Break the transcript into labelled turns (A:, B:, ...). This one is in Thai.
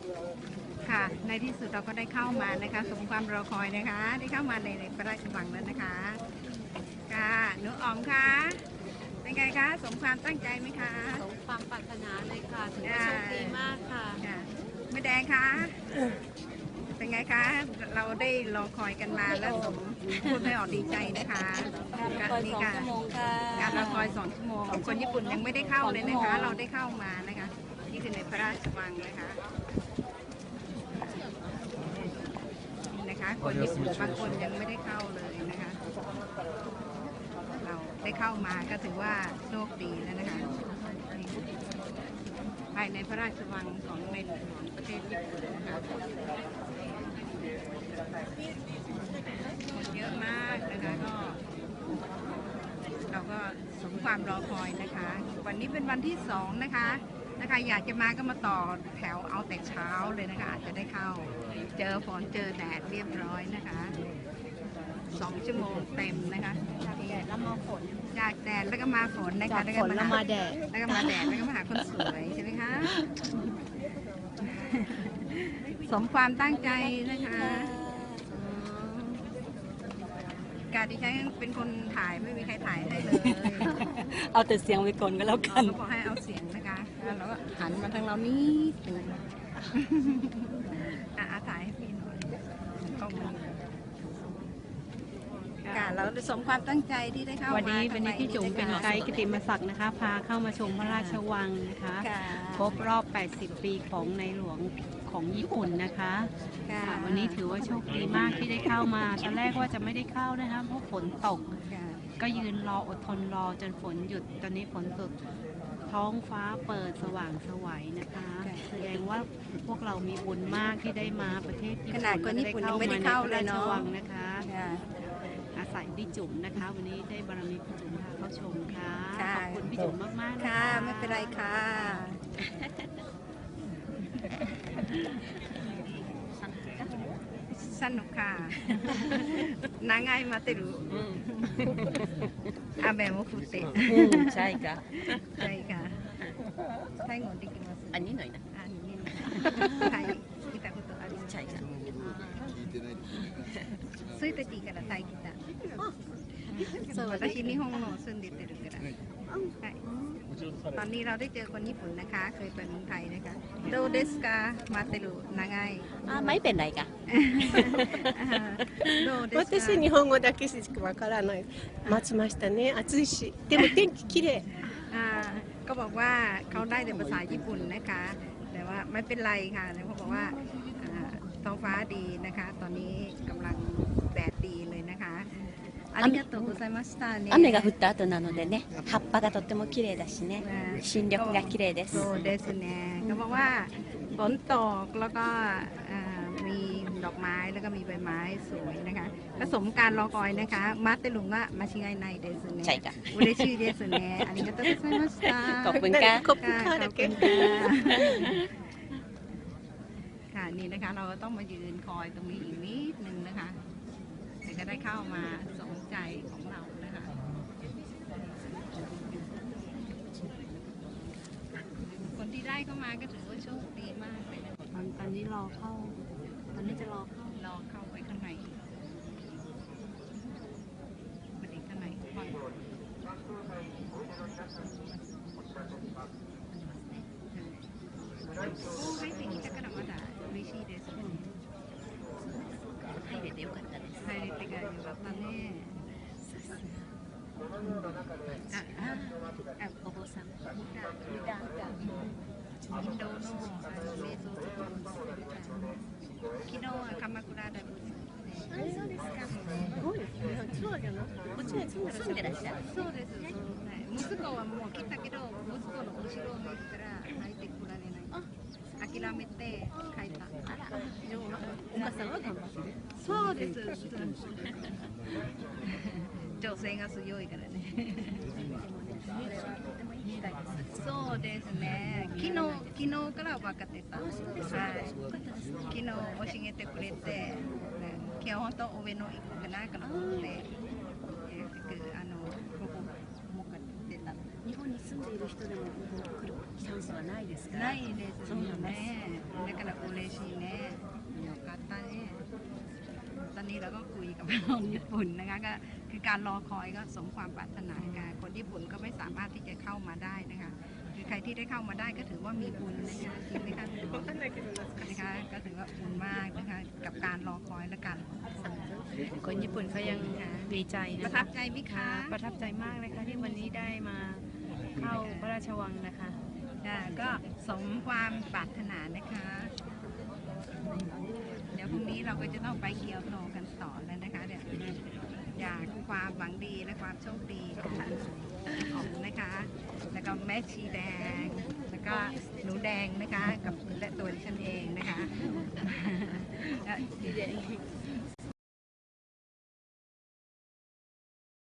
A: ค่ะในที่สุดเราก็ได้เข้ามานะคะสมความรอคอยนะคะได้เข้ามาในพระราชวังแล้วนะคะค่ะหนูอ๋อมคะเป็นไงคะสมความตั้งใจไหมคะ
B: สมความปรารถนาเลยค่ะถือว่าโชคดีมากค่ะ
A: แม่แดงคะเป็นไงคะเราได้รอคอยกันมาแล้วสมพูดไม่ออกดีใจนะคะ
B: การรอคอย2 ชั่วโมงค่ะ
A: การรอคอย2 ชั่วโมงคนญี่ปุ่นยังไม่ได้เข้าเลยนะคะเราได้เข้ามานะคะนี่คือในพระราชวังนะคะคนญี่ปุ่นบางคนยังไม่ได้เข้าเลยนะคะเราได้เข้ามาก็ถือว่าโชคดีแล้วนะคะภายในพระราชวังของในหลวงประเทศญี่ปุ่นนะคะคนเยอะมากนะคะก็เราก็สมความรอคอยนะคะวันนี้เป็นวันที่2นะคะอยากจะมาก็มาต่อแถวเอาแต่เช้าเลยนะคะอาจจะได้เข้าเจอฝนเจอแดดเรียบร้อยนะคะ2 ชั่วโมงเต็มนะคะจากแดดแล้วมาฝนจากแดดแล้วก็มาฝนนะคะ
B: จากฝนแล้วมาแดด
A: แล้วก็มาแดดแล้วก็มาหาคนสวยใช่ไหมคะสมความตั้งใจนะคะการที่ใช้เป็นคนถ่ายไม่มีใครถ่ายให้เลย
B: เอาแต่เสียงไว้ก่อนก็แล้วกัน
A: เขาบอกให้เอาเสียงนะคะแล้วก็หันมาทางเรานี่ถ่ายให้พี่หน่อยกล้องมันเราสมความตั้งใจที่ได้เข้ามา
B: วันนี้พี่จุ๋มเป็นไกด์กิติมศักดิ์นะคะพาเข้ามาชมพระราชวังนะคะครบรอบ 80 ปีของในหลวงของญี่ปุ่นนะคะวันนี้ถือว่าโชคดีมากที่ได้เข้ามาตอนแรกว่าจะไม่ได้เข้านะคะเพราะฝนตกก็ยืนรออดทนรอจนฝนหยุดตอนนี้ฝนตกท้องฟ้าเปิดสว่างไสวนะคะแสดงว่าพวกเรามีบุญมากที่ได้มาประเทศญี่ปุ่น
A: ขนาดคนญี่ปุ่นยังไม่ได้เข้าเลยเนาะ
B: นะคะอาศัยพี่จุ๋มนะคะวันนี้ได้บารมีพี่จุ๋มพาเข้าชมค่ะขอบคุณพี่จุ๋มมากๆ
A: ค่ะไม่เป็นไรค่ะสนุกค่ะ長い待てる雨も降って
B: ใช่ค่ะ
A: ใช่ค่ะ最後できます
B: อันนี้หน่อยนะ
A: はい来たことあります
B: ใช่ค่ะ
A: そういう時からタイ来たそう私日本の住んでてるからはいตอนนี้เราได้เจอคนญี่ปุ่นนะคะเคยไปเมืองไทยนะคะどうですか待ってる長い
B: ไม่เป็นไรค่ะ
C: 私日本語だけしかわからない待ちましたね暑いしでも天気綺麗
A: ก็บอกว่าเขาได้แต่ภาษาญี่ปุ่นนะคะแต่ว่าไม่เป็นไรค่ะเขาบอกว่าท้องฟ้าดีนะคะตอนนี้กำลังแดดดีเลยนะคะありがとうございましたね。
B: 雨が降った後なのでね、葉っぱがとっても綺麗だしね、新緑が綺麗です。
A: そうですね。เขาบอกว่าฝนตกแล้วก็มีดอกไม้แล้วก็มีใบไม้สวยนะคะผสมการรอคอยนะคะมาเตลุงว่ามาชิไงในเดสเน่
B: ใช่ค่ะ
A: 嬉しいですねありがとうございました
B: ขอบคุณค่ะ
C: ขอบคุณค่ะ
A: ค่ะนี่นะคะเราต้องมายืนคอยตรงนี้อีกนิดนึงนะคะถึงจะได้เข้ามาสมใจของเรานะคะคนที่ได้เข้ามาก็ถือว่าโชคดีมากเลยนะ
B: ตอนนี้รอเข้าตอนนี้จะรอ
A: เข้าไปข้างในมาดีข้างในก่อนโอ้ให้สิ่งนี้จะกระดับมาด่า嬉しいです
B: 入れてよかったです。
A: 入れてがよかったね。
B: お坊さん。
A: インドの瞑想とかも昨日は鎌倉でもそうですか。
C: そうじゃなくてこっちに住んでらっしゃる。
A: そうです。息子はもう来たけど息子の後ろを見たら入ってこられない。諦めて帰った。
C: お母さんは頑張ってる。
A: そうです。女性が強いからね。そうですね。昨日から分かってた。はい。昨日教えてくれて、今日本当上野行こうかなと思って、ここ思ってた。
B: 日本に住んでいる人でも来るチャンスはないですか？
A: ないですよね。 และกระอุเลชีแน่โยกาตาเน่ตอนนี้เราก็คุยกับคนญี่ปุ่นนะคะก็คือการรอคอยก็สมความปรารถนาค่ะคนญี่ปุ่นก็ไม่สามารถที่จะเข้ามาได้นะคะคือใครที่ได้เข้ามาได้ก็ถือว่ามีบุญนะคะจริงไหมคะนะคะก็ถือว่าบุญมากนะคะกับการรอคอยและกัน
B: คนญี่ปุ่นเขายังดีใจ
A: ป
B: นะ
A: ระ
B: คะ
A: ทับใจไหมคะ
B: ประทับใจมากเลยค่ะที่วันนี้ได้มาเข้าพระราชวังนะคะ
A: ก็สมความปรารถนานะคะ เดี๋ยวพรุ่งนี้เราก็จะต้องไปเกียวโตกันต่อแล้วนะคะเดี๋ยวอยากความหวังดีและความโชคดีของนะคะ แล้วก็แม่ชีแดง แล้วก็หนูแดงนะคะกับและตัวดิฉันเองนะคะ